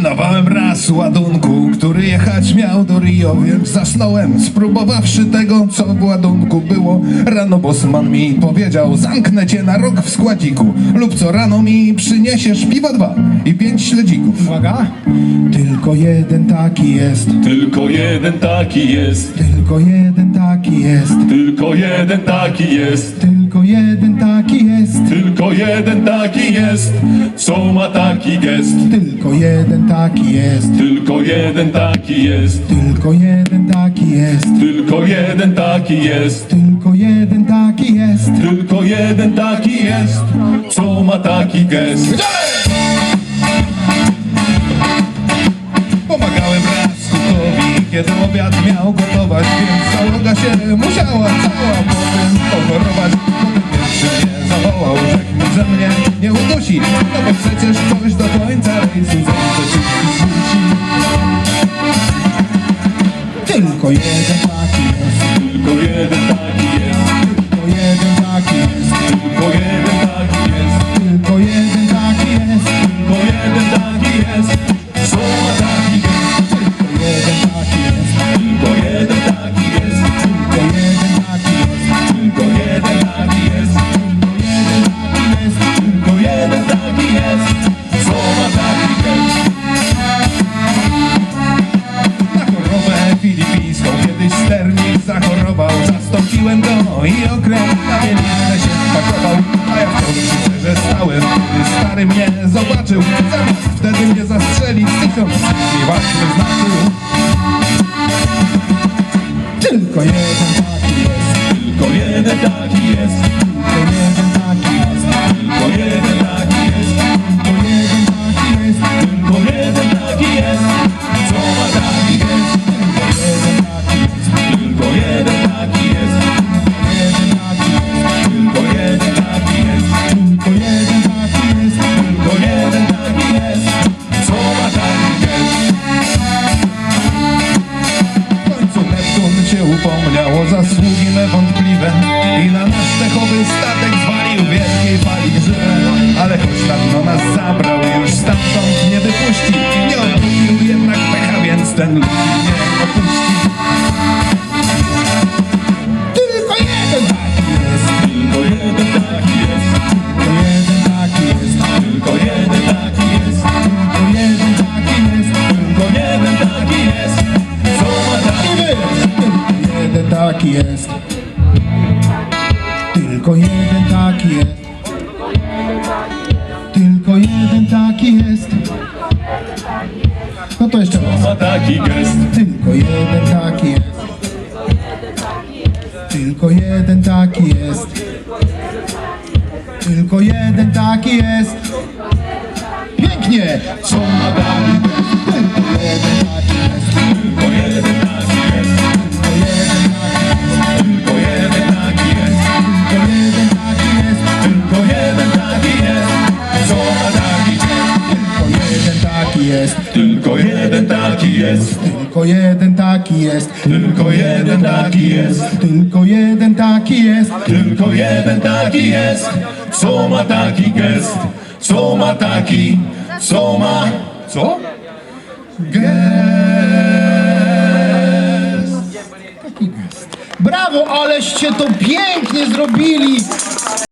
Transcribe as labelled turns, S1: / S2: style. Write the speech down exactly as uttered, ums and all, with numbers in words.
S1: Pilnowałem raz ładunku, który jechać miał do Rio, więc zasnąłem, spróbowawszy tego, co w ładunku było. Rano bosman mi powiedział, zamknę cię na rok w składziku, lub co rano mi przyniesiesz piwa dwa i pięć śledzików.
S2: Uwaga! Tylko jeden taki jest,
S3: Tylko jeden taki jest,
S2: tylko jeden taki jest,
S3: tylko jeden taki jest,
S2: tylko jeden taki jest,
S3: tylko jeden taki jest, co ma taki gest.
S2: tylko jeden taki jest,
S3: Tylko jeden taki jest,
S2: tylko jeden taki jest,
S3: tylko jeden taki jest,
S2: tylko jeden taki jest.
S3: tylko jeden taki jest, co ma taki gest.
S1: Pomagałem raz kukowi, kiedy obiad miał gotować, więc załoga się musiała cała potem pochorować. Potem pierwszy mnie zawołał, rzekł mi, że mnie nie udusi, no bo przecież ktoś do końca rejsu zejdzie wszystkich musi.
S2: Tylko jeden taki jest,
S3: Tylko jeden taki jest,
S2: tylko jeden taki jest,
S3: tylko jeden taki jest,
S2: tylko jeden taki jest,
S3: tylko jeden taki jest, co ma taki gest.
S2: tylko jeden taki jest,
S3: Tylko jeden taki jest,
S2: tylko jeden taki jest,
S3: tylko jeden taki jest,
S2: tylko jeden taki jest.
S3: tylko jeden taki jest, co ma taki gest.
S1: Na chorobę filipińską kiedyś sternik zachorował. Zastąpiłem go i okręt na mieliznę się spakował. A ja w końcu że stałem, gdy stary mnie zobaczył. Zamiast wtedy mnie zastrzelić, tysiąc mi ważny znaczył.
S2: Tylko jeden taki jest,
S3: Tylko jeden taki jest,
S2: tylko jeden taki jest,
S3: tylko jeden taki jest,
S2: tylko jeden taki jest,
S3: tylko jeden taki jest, co ma taki gest.
S2: tylko jeden taki jest,
S3: Tylko jeden taki jest,
S2: tylko jeden taki jest,
S3: tylko jeden taki jest,
S2: tylko jeden taki jest.
S3: co ma taki gest.
S1: W końcu Neptun się upomniał o zasługi me wątpliwe i na nasz techowy statek zwalił wielkiej fali grzywe. Ale choć na dno nas zabrał, już stamtąd nie wypuści. Nie odmówił jednak pecha, więc ten ludzi nie opuści.
S2: Tylko jeden taki jest,
S3: Tylko jeden taki jest,
S2: tylko jeden taki jest,
S3: tylko jeden taki jest,
S2: tylko jeden taki jest,
S3: tylko jeden taki jest, co ma taki gest.
S2: tylko jeden taki jest, tylko jeden taki jest, tylko jeden taki jest. No to jeszcze raz.
S3: Ma taki gest.
S2: Tylko jeden taki jest, tylko jeden taki jest, tylko jeden taki jest. Pięknie!
S3: Co ma taki gest.
S2: Tylko jeden taki jest,
S3: Tylko jeden taki jest,
S2: tylko jeden taki jest,
S3: tylko jeden taki jest,
S2: tylko jeden taki jest,
S3: tylko jeden taki jest, co ma taki gest.
S2: tylko jeden taki jest,
S3: Tylko jeden taki jest,
S2: tylko jeden taki jest,
S3: tylko jeden taki jest,
S2: tylko jeden taki jest.
S3: tylko jeden taki jest, co ma taki gest, co ma taki, co ma, co?
S1: Gest.
S2: Taki gest. Brawo, aleście to pięknie zrobili!